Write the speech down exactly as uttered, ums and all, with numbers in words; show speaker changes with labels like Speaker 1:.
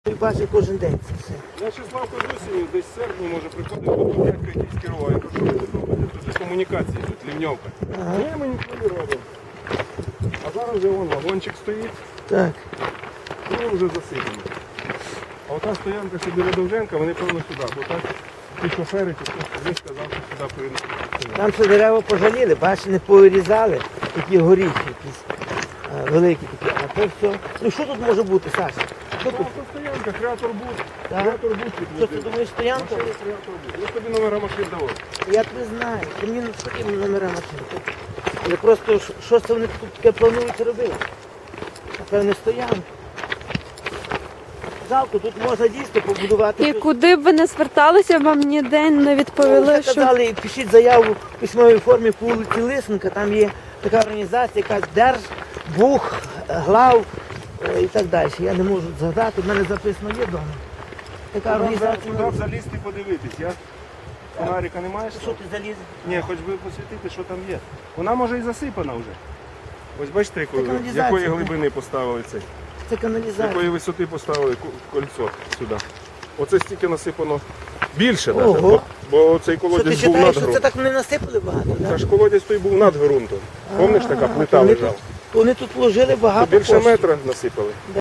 Speaker 1: І бачу кожен день це все.
Speaker 2: Я ще Славко з осінню, десь в серпні, може, приходив, бо тут дядько якийсь керував. Я кажу, що ви тут робите? Тут же комунікації, тут лівньовка.
Speaker 1: Ага.
Speaker 2: Ні, ми нічого не робимо. А зараз вже вон вагончик стоїть,
Speaker 1: Так.
Speaker 2: і він вже засипаний. А ота стоянка, що біля Довженка, вони певно сюди. Бо так ті шофери, чи хтось туди сказав, що сюди переносити.
Speaker 1: Там ще дерева пожаліли, бачиш, не повирізали, такі горіхи якісь а, великі такі. А то все. Ну що тут може бути, Саша? Що
Speaker 2: Та
Speaker 1: тут?
Speaker 2: то стоянка, креатор бут.
Speaker 1: Так?
Speaker 2: Креатор бут
Speaker 1: Що ти
Speaker 2: підвозив.
Speaker 1: думаєш, стоянка?
Speaker 2: Машини креатор бут. Я тобі номера машин давав.
Speaker 1: Я тебе знаю. Ти мені не номера машин. Але просто що- що це вони тут таке планують робити? Напевне, стоянка. Жалко, тут можна дійсно побудувати.
Speaker 3: І
Speaker 1: щось.
Speaker 3: куди б ви не зверталися, вам ніде не
Speaker 1: Ну,
Speaker 3: відповіли,
Speaker 1: вже
Speaker 3: що
Speaker 1: казали, пишіть заяву в письмовій формі по вулиці Лисенка, там є така організація, яка Держбух, глав е, і так далі. Я не можу згадати, в мене записано є вдома. Така організація.
Speaker 2: Туди б залізти подивитись. Я фонарика не маєш?
Speaker 1: Що ти заліз?
Speaker 2: Ні, хоч би посвітити, що там є. Вона може і засипана вже. Ось бачите, якої,
Speaker 1: Це каналізація,
Speaker 2: якої
Speaker 1: так.
Speaker 2: глибини поставили цей.
Speaker 1: Це
Speaker 2: З
Speaker 1: каналізація.
Speaker 2: якої висоти поставили ку- кольцо сюди. Оце стільки насипано більше
Speaker 1: Ого.
Speaker 2: навіть, бо, бо цей
Speaker 1: Що ти
Speaker 2: колодязь був
Speaker 1: вважаєш,
Speaker 2: над
Speaker 1: що це
Speaker 2: ґрунтом.
Speaker 1: так не насипали багато?
Speaker 2: Та
Speaker 1: Да?
Speaker 2: ж колодязь той був над ґрунтом. Пам'ятаєш, така плита
Speaker 1: Вони
Speaker 2: лежала?
Speaker 1: тут- Вони тут вложили багато
Speaker 2: Більше
Speaker 1: коштів.
Speaker 2: метра насипали.